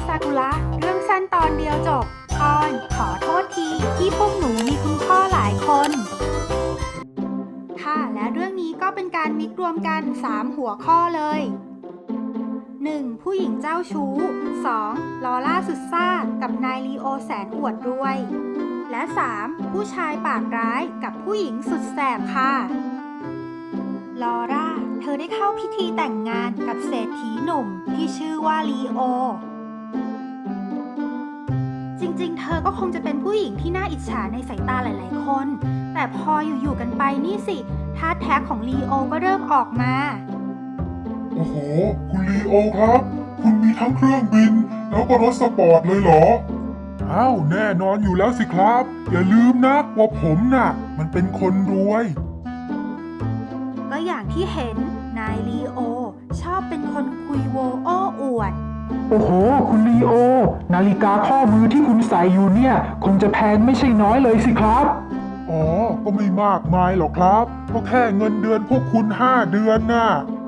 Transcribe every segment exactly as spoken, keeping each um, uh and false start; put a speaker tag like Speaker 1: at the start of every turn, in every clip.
Speaker 1: ซากุระเรื่องสั้นตอนเดียวจบตอนขอโทษทีที่พวกหนูมีคุณพ่อหลายคนค่ะและเรื่องนี้ก็เป็นการมิกรวมกันสามหัวข้อเลย หนึ่ง. ผู้หญิงเจ้าชู้ สอง. ลอร่าสุดซ่ากับนายลีโอแสนอวดรวยและ สาม. ผู้ชายปากร้ายกับผู้หญิงสุดแสบค่ะลอร่าเธอได้เข้าพิธีแต่งงานกับเศรษฐีหนุ่มที่ชื่อว่าลีโอจริงๆเธอก็คงจะเป็นผู้หญิงที่น่าอิจฉาในสายตาหลายๆคนแต่พออยู่ๆกันไปนี่สิท่าแท้ของลีโอก็เริ่มออกมา
Speaker 2: โอ้โหคุณลีโอครับคุณมีทั้งเครื่องบินแล้วก็รถสปอร์ตเลยเหรออ้าวแน่นอนอยู่แล้วสิครับอย่าลืมนะว่าผมน่ะมันเป็นคนรวย
Speaker 1: ก็อย่างที่เห็นนายลีโอชอบเป็นคนคุยโวโอ้อวด
Speaker 3: โอ้โหคุณลีโอนาฬิกาข้อมือที่คุณใส่อยู่เนี่ยคงจะแพงไม่ใช่น้อยเลยสิครับ
Speaker 2: อ๋อก็ไม่มากมายหรอกครับก็แค่เงินเดือนพวกคุณห้าเดือนน่ะ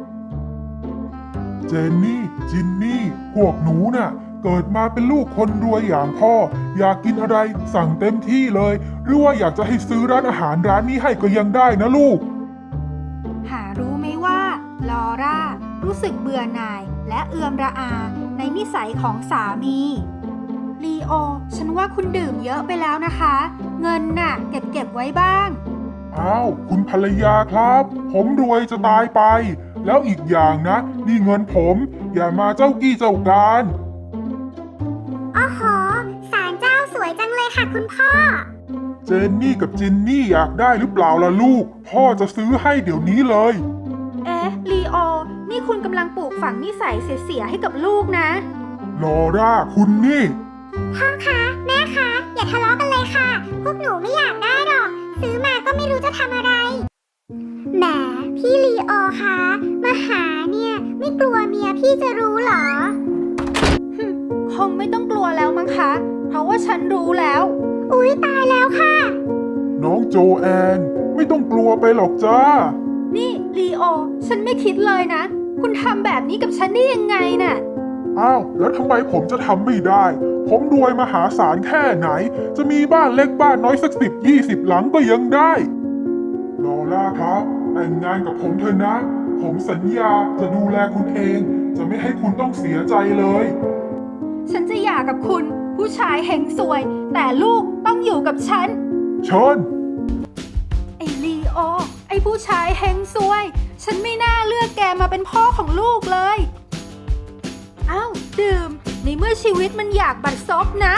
Speaker 2: เจนนี่จินนี่พวกหนูน่ะเกิดมาเป็นลูกคนรวยอย่างพ่ออยากกินอะไรสั่งเต็มที่เลยหรือว่าอยากจะให้ซื้อร้านอาหารร้านนี้ให้ก็ยังได้นะลูก
Speaker 1: หารู้ไหมว่าลอร่ารู้สึกเบื่อหน่ายและเอือมระอาในนิสัยของสามีลีโอฉันว่าคุณดื่มเยอะไปแล้วนะคะเงินน่ะเก็บเก็บไว้บ้าง
Speaker 2: อ้าวคุณภรรยาครับผมรวยจะตายไปแล้วอีกอย่างนะนี่เงินผมอย่ามาเจ้ากี้เจ้าการ
Speaker 4: อ๋อโหศาลเจ้าสวยจังเลยค่ะคุณพ่อ
Speaker 2: เจนนี่กับจินนี่อยากได้หรือเปล่าล่ะลูกพ่อจะซื้อให้เดี๋ยวนี้เลย
Speaker 1: เอ๊ะลีโอนี่คุณกำลังปลูกฝังนิสัยเสียๆให้กับลูกนะ
Speaker 2: ลอร่าคุณนี่
Speaker 4: พ่อคะแม่คะอย่าทะเลาะกันเลยค่ะพวกหนูไม่อยากได้หรอกซื้อมาก็ไม่รู้จะทำอะไรแหมพี่ลีโอคะมาหาเนี่ยไม่กลัวเมียพี่จะรู้หรอ
Speaker 1: คงไม่ต้องกลัวแล้วมั้งคะเพราะว่าฉันรู้แล้ว
Speaker 4: อุ๊ยตายแล้วค่ะ
Speaker 2: น้องโจแอนไม่ต้องกลัวไปหรอกจ้า
Speaker 1: นี่ลีโอฉันไม่คิดเลยนะคุณทำแบบนี้กับฉันได้ยังไงน่ะ
Speaker 2: อ้าวแล้วทำไมผมจะทำไม่ได้ผมรวยมหาศาลแค่ไหนจะมีบ้านเล็กบ้านน้อยสักสิบยี่สิบหลังก็ยังได้ลอร่าครับแต่งงานกับผมเถอะนะผมสัญญาจะดูแลคุณเองจะไม่ให้คุณต้องเสียใจเลย
Speaker 1: ฉันจะหย่ากับคุณผู้ชายเฮงซวยแต่ลูกต้องอยู่กับฉัน
Speaker 2: เชิญ
Speaker 1: ไอ้ลีโอไอ้ผู้ชายเฮงซวยฉันไม่น่าเลือกแกมาเป็นพ่อของลูกเลยอ้าวดื่มในเมื่อชีวิตมันอยากบัดซบนะ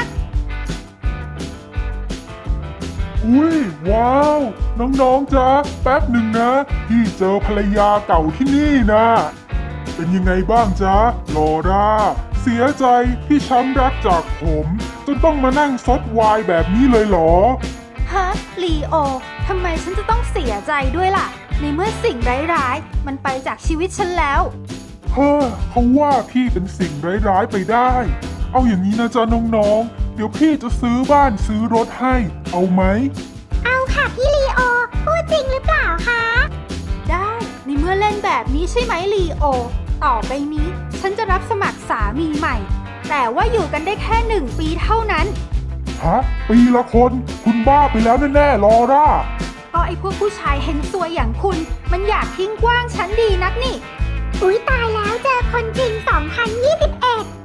Speaker 2: อุ้ยว้าวน้องๆจ๊ะแป๊บหนึ่งนะพี่เจอภรรยาเก่าที่นี่นะเป็นยังไงบ้างจ๊ะลอร่าเสียใจที่ช้ำรักจากผมจนต้องมานั่งซดไวน์แบบนี้เลยเหรอ
Speaker 1: ฮะลีโอทำไมฉันจะต้องเสียใจด้วยล่ะในเมื่อสิ่งร้ายๆมันไปจากชีวิตฉันแล้ว
Speaker 2: เฮ้อเขาว่าพี่เป็นสิ่งร้ายๆไปได้เอาอย่างนี้นะจ๊ะน้องๆเดี๋ยวพี่จะซื้อบ้านซื้อรถให้เอาไหม
Speaker 4: เอาค่ะพี่ลีโอพูดจริงหรือเปล่าคะ
Speaker 1: ได้ในเมื่อเล่นแบบนี้ใช่ไหมลีโอต่อไปนี้ฉันจะรับสมัครสามีใหม่แต่ว่าอยู่กันได้แค่หนึ่งปีเท่านั้น
Speaker 2: ฮะปีละคนคุณบ้าไปแล้วแน่ๆลอร่า
Speaker 1: ก็ไอ้พวกผู้ชายเฮงซวยอย่างคุณมันอยากทิ้งกว้างฉันดีนักนี่
Speaker 4: อุ๊ยตายแล้วเจอคนจริงสองพันยี่สิบเอ็ด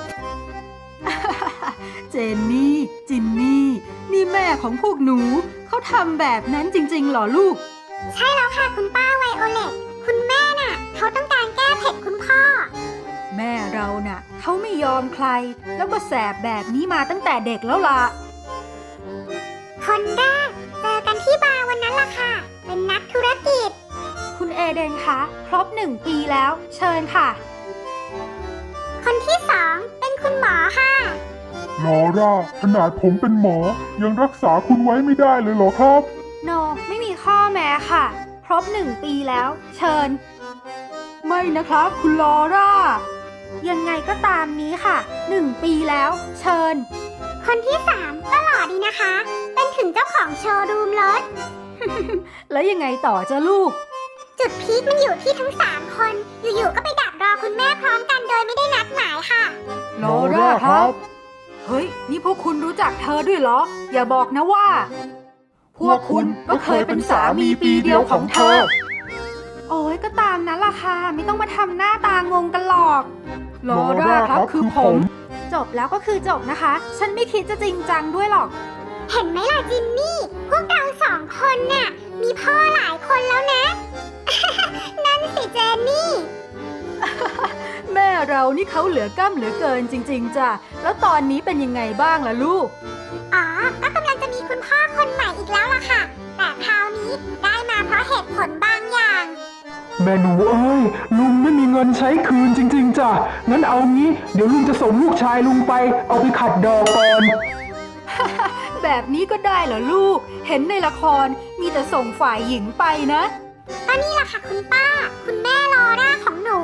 Speaker 1: เจนนี่จินนี่นี่แม่ของพวกหนูเขาทำแบบนั้นจริงๆหรอลูก
Speaker 4: ใช่แล้วค่ะคุณป้าไวโอเลตคุณแม่น่ะเขาต้องการแก้เผ็ดคุณพ่อ
Speaker 1: แม่เราน่ะเขาไม่ยอมใครแล้วก็แสบแบบนี้มาตั้งแต่เด็กแล้วล่ะ
Speaker 4: คนแรกเจอกันที่บาร์วันนั้นล่ะค่ะเป็นนักธุรกิจ
Speaker 1: คุณเอเดนคะครบหนึ่งปีแล้วเชิญค่ะ
Speaker 4: คนที่สองเป็นคุณหมอค่ะ
Speaker 2: ลอร่าขนาดผมเป็นหมอยังรักษาคุณไว้ไม่ได้เลยเหรอครับ
Speaker 1: โน no, ไม่มีข้อแม้ค่ะครบหนึ่งปีแล้วเชิญไม่นะครับคุณลอร่ายังไงก็ตามนี้ค่ะหนึ่งปีแล้วเชิญ
Speaker 4: คนที่สามก็หล่อดีนะคะเป็นถึงเจ้าของโชว์รูมรถ
Speaker 1: แล้วยังไงต่อจ้ะลูก
Speaker 4: จุดพีคมันอยู่ที่ทั้งสามคนอยู่ๆก็ไปดักรอคุณแม่พร้อมกันโดยไม่ได้นัดหมายค่ะ
Speaker 1: ลลอร่าครับ เฮ้ย นี่พวกคุณรู้จักเธอด้วยเหรอ อย่าบอกนะว่า พวกคุณก็เคยเป็นสามีปีเดียวของเธอ โอ้ยก็ตามนั้นล่ะค่ะ ไม่ต้องมาทำหน้าตางงกันหรอกลอร่าครับคือผม จบแล้วก็คือจบนะคะ ฉันไม่คิดจะจริงจังด้วยหรอก
Speaker 4: เห็นไหมล่ะจินนี่ พวกเราสองคนน่ะ มีพ่อหลายคนแล้วนะ นั่นสิเจนนี่
Speaker 1: แม่เรานี่เขาเหลือกล้ำเหลือเกินจริงๆจ้ะ แล้วตอนนี้เป็นยังไงบ้างล่ะลูก
Speaker 4: อ๋อ ก็กำลังจะมีคุณพ่อคนใหม่อีกแล้วล่ะค่ะ แต่คราวนี้ได้มาเพราะเหตุผลบางอย่าง
Speaker 3: แม่หนูเอ้ยลุงไม่มีเงินใช้คืนจริงๆจ้ะงั้นเอางี้เดี๋ยวลุงจะส่งลูกชายลุงไปเอาไปขัดดอกก่อน
Speaker 1: แบบนี้ก็ได้เหรอลูก เห็นในละครมีแต่ส่งฝ่ายหญิงไปนะ
Speaker 4: ก็นี่แหละค่ะคุณป้า คุณแม่ลอร่าของหนู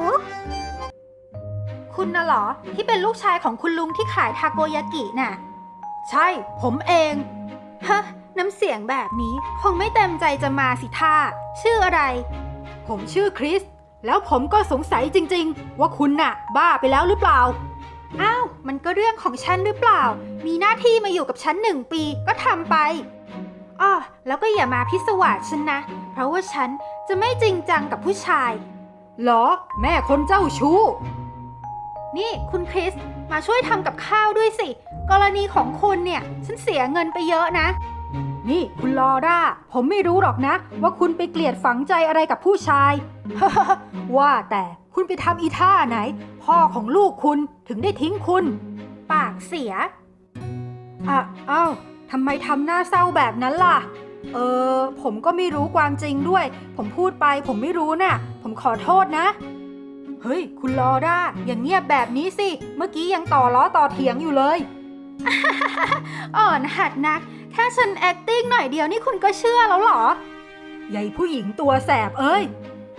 Speaker 1: คุณน่ะเหรอ ที่เป็นลูกชายของคุณลุงที่ขายทาโกยากิน่ะ ใช่ ผมเอง ฮะ น้ำเสียงแบบนี้คงไม่เต็มใจจะมาสิท่าชื่ออะไร ผมชื่อคริส แล้วผมก็สงสัยจริงๆ ว่าคุณน่ะ บ้าไปแล้วหรือเปล่า อ้าว มันก็เรื่องของฉันหรือเปล่า มีหน้าที่มาอยู่กับฉันหนึ่งปีก็ทำไปอ้อแล้วก็อย่ามาพิศวาสฉันนะ เพราะว่าฉันจะไม่จริงจังกับผู้ชายเหรอ แม่คนเจ้าชู้ นี่คุณคริส มาช่วยทำกับข้าวด้วยสิ กรณีของคุณเนี่ย ฉันเสียเงินไปเยอะนะ นี่คุณลอร่า ผมไม่รู้หรอกนะ ว่าคุณไปเกลียดฝังใจอะไรกับผู้ชาย ว่าแต่คุณไปทำอีท่าไหน พ่อของลูกคุณถึงได้ทิ้งคุณ ปากเสีย อ่ะอ้าวทำไมทำหน้าเศร้าแบบนั้นล่ะ เออ ผมก็ไม่รู้ความจริงด้วย ผมพูดไปผมไม่รู้น่ะ ผมขอโทษนะ เฮ้ย คุณลอร่า อย่างเงียบแบบนี้สิ เมื่อกี้ยังต่อล้อต่อเถียงอยู่เลย อ่อนหัดนัก แค่ฉัน acting หน่อยเดียวนี่คุณก็เชื่อแล้วเหรอ ใหญ่ผู้หญิงตัวแสบเอ้ย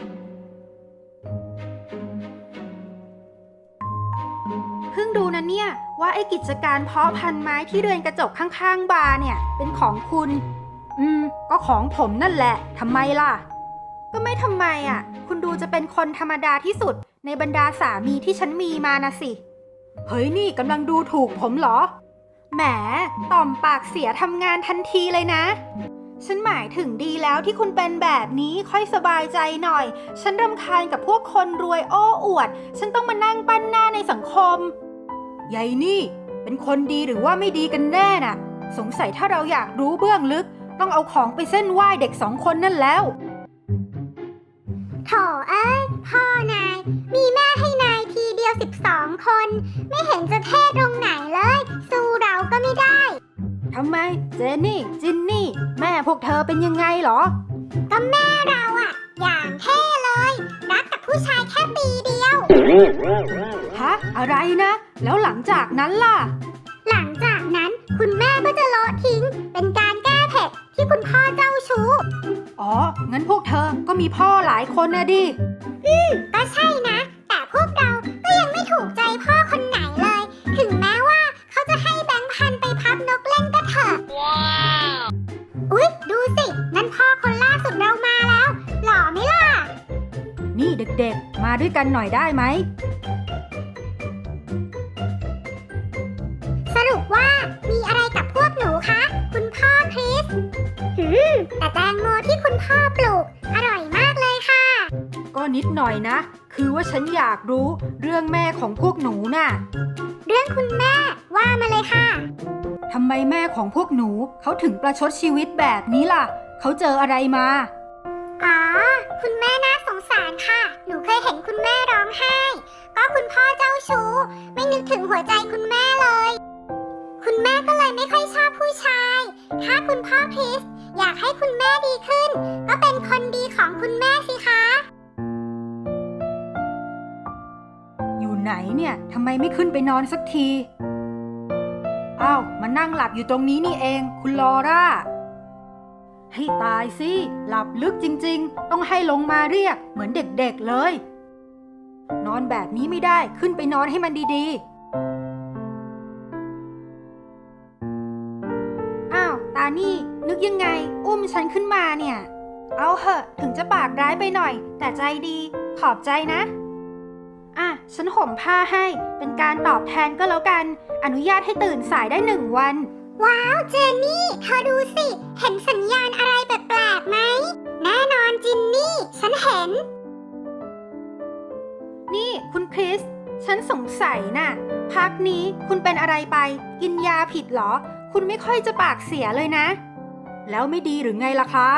Speaker 1: เพิ่งดูนะเนี่ย ว่าไอ้กิจการเพาะพันธุ์ไม้ที่เรือนกระจกข้างๆบาร์เนี่ย เป็นของคุณ อืม ก็ของผมนั่นแหละทำไมล่ะ ก็ไม่ทำไมอ่ะ คุณดูจะเป็นคนธรรมดาที่สุดในบรรดาสามีที่ฉันมีมานะสิ เฮ้ยนี่กำลังดูถูกผมเหรอ แหม ต่อมปากเสียทำงานทันทีเลยนะ ฉันหมายถึงดีแล้วที่คุณเป็นแบบนี้ค่อยสบายใจหน่อย ฉันรำคาญกับพวกคนรวยโอ้อวด ฉันต้องมานั่งปั้นหน้าในสังคมยายนี่ เป็นคนดีหรือว่าไม่ดีกันแน่น่ะ สงสัยถ้าเราอยากรู้เบื้องลึก ต้องเอาของไปเส้นไหว้เด็กสองคนนั่นแล้ว
Speaker 4: โถเอ้ย พ่อนาย มีแม่ให้นายทีเดียวสิบสองคน ไม่เห็นจะเท่ตรงไหนเลย สู้เราก็ไม่ได้
Speaker 1: ทำไม เจนนี่ จินนี่ แม่พวกเธอเป็นยังไงเหรอ
Speaker 4: ก็แม่เราอะอย่างเท่เลย รักกับผู้ชายแค่ปีเดียว
Speaker 1: ฮะ อะไรนะ แล้วหลังจากนั้นล่ะ
Speaker 4: หลังจากนั้นคุณแม่ก็จะโละทิ้ง เป็นการแก้เผ็ดที่คุณพ่อเจ้าชู้
Speaker 1: อ๋อ งั้นพวกเธอก็มีพ่อหลายคนนะดิ
Speaker 4: อืม ก็ใช่นะ แต่พวกเราก็ยังไม่ถูกใจพ่อคนไหนเลย ถึงแม้ว่าเขาจะให้แบงค์พันไปพับนกเล่นก็เถอะ ว้าว อุ๊ย ดูสิ นั่นพ่อคนล่าสุดเรามาแล้ว หล่อไหมล่ะ
Speaker 1: นี่เด็กๆ มาด้วยกันหน่อยได้ไหม
Speaker 4: สรุปว่ามีอะไรกับพวกหนูคะ คุณพ่อคริส หืม แต่แตงโมที่คุณพ่อปลูก อร่อยมากเลยค่ะ
Speaker 1: ก็นิดหน่อยนะ คือว่าฉันอยากรู้เรื่องแม่ของพวกหนูน่ะ
Speaker 4: เรื่องคุณแม่ว่ามาเลยค่ะ
Speaker 1: ทำไมแม่ของพวกหนูเขาถึงประชดชีวิตแบบนี้ล่ะ เขาเจออะไรมา
Speaker 4: อ๋อ คุณแม่น่าสงสารค่ะ หนูเคยเห็นคุณแม่ร้องไห้ ก็คุณพ่อเจ้าชู้ ไม่นึกถึงหัวใจคุณแม่เลย คุณแม่ก็เลยไม่ค่อยชอบผู้ชาย ถ้าคุณพ่อคริสอยากให้คุณแม่ดีขึ้น ก็เป็นคนดีของคุณแม่สิคะ
Speaker 1: อยู่ไหนเนี่ยทำไมไม่ขึ้นไปนอนสักที อ้าว มานั่งหลับอยู่ตรงนี้นี่เอง คุณลอร่า ให้ตายสิ หลับลึกจริงๆ ต้องให้ลงมาเรียกเหมือนเด็กๆเลย นอนแบบนี้ไม่ได้ ขึ้นไปนอนให้มันดีๆ อ้าว ตานี่ นึกยังไง อุ้มฉันขึ้นมาเนี่ย เอาเหอะ ถึงจะปากร้ายไปหน่อย แต่ใจดี ขอบใจนะ อ่ะฉันห่มผ้าให้เป็นการตอบแทนก็แล้วกัน อนุญาตให้ตื่นสายได้หนึ่งวัน
Speaker 4: ว้าวเจนนี่เธอดูสิ เห็นสัญญาณอะไรแปลกๆไหม แน่นอนจินนี่ ฉันเห็น
Speaker 1: นี่คุณคริส ฉันสงสัยน่ะ พักนี้คุณเป็นอะไรไป กินยาผิดเหรอ คุณไม่ค่อยจะปากเสียเลยนะ แล้วไม่ดีหรือไงล่ะครับ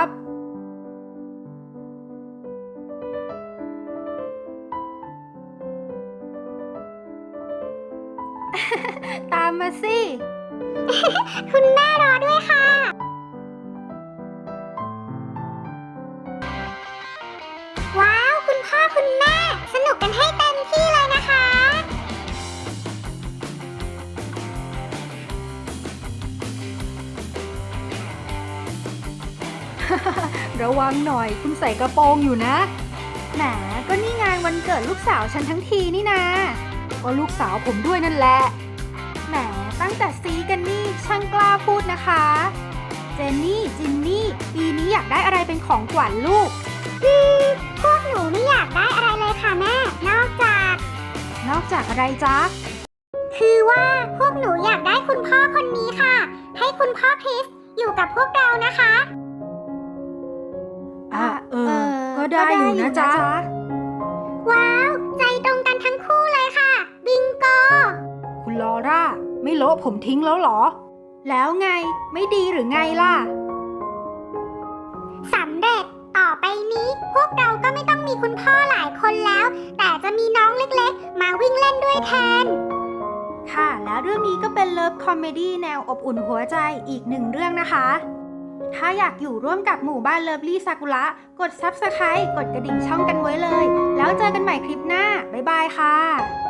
Speaker 1: ตามมาสิ
Speaker 4: คุณแม่รอด้วยค่ะ ว้าว คุณพ่อคุณแม่ สนุกกันให้เต็มที่เลยนะคะ
Speaker 1: ระวังหน่อยคุณใส่กระโปรงอยู่นะ แหมก็นี่งานวันเกิดลูกสาวฉันทั้งทีนี่นาก็ลูกสาวผมด้วยนั่นแหละ แหมตั้งแต่ซีกันนี่ช่างกล้าพูดนะคะ เจนนี่จินนี่ปีนี้อยากได้อะไรเป็นของขวัญลูก
Speaker 4: อืม พวกหนูไม่อยากได้อะไรเลยค่ะแม่ นอกจาก
Speaker 1: นอกจากอะไรจ๊ะ
Speaker 4: คือว่าพวกหนูอยากได้คุณพ่อคนนี้ค่ะ ให้คุณพ่อคริสอยู่กับพวกเรานะคะ
Speaker 1: อ่ะเออ ก็ได้อยู่นะจ๊ะ
Speaker 4: ว้าว ใจตรงกันทั้งคู่เลยค่ะ บิงโก
Speaker 1: คุณลอร่า ไม่โละผมทิ้งแล้วเหรอ แล้วไงไม่ดีหรือไงล่ะ
Speaker 4: สำเร็จ ต่อไปนี้พวกเราก็ไม่ต้องมีคุณพ่อหลายคนแล้ว แต่จะมีน้องเล็กๆ มาวิ่งเล่นด้วยแทน
Speaker 1: ค่ะ แล้วเรื่องนี้ก็เป็นเลิฟคอมเมดี้แนวอบอุ่นหัวใจอีกหนึ่งเรื่องนะคะ ถ้าอยากอยู่ร่วมกับหมู่บ้านเลิฟลี่ซากุระกด ซับสไครบ์ กดกระดิ่งช่องกันไว้เลย แล้วเจอกันใหม่คลิปหน้า บ๊ายบายค่ะ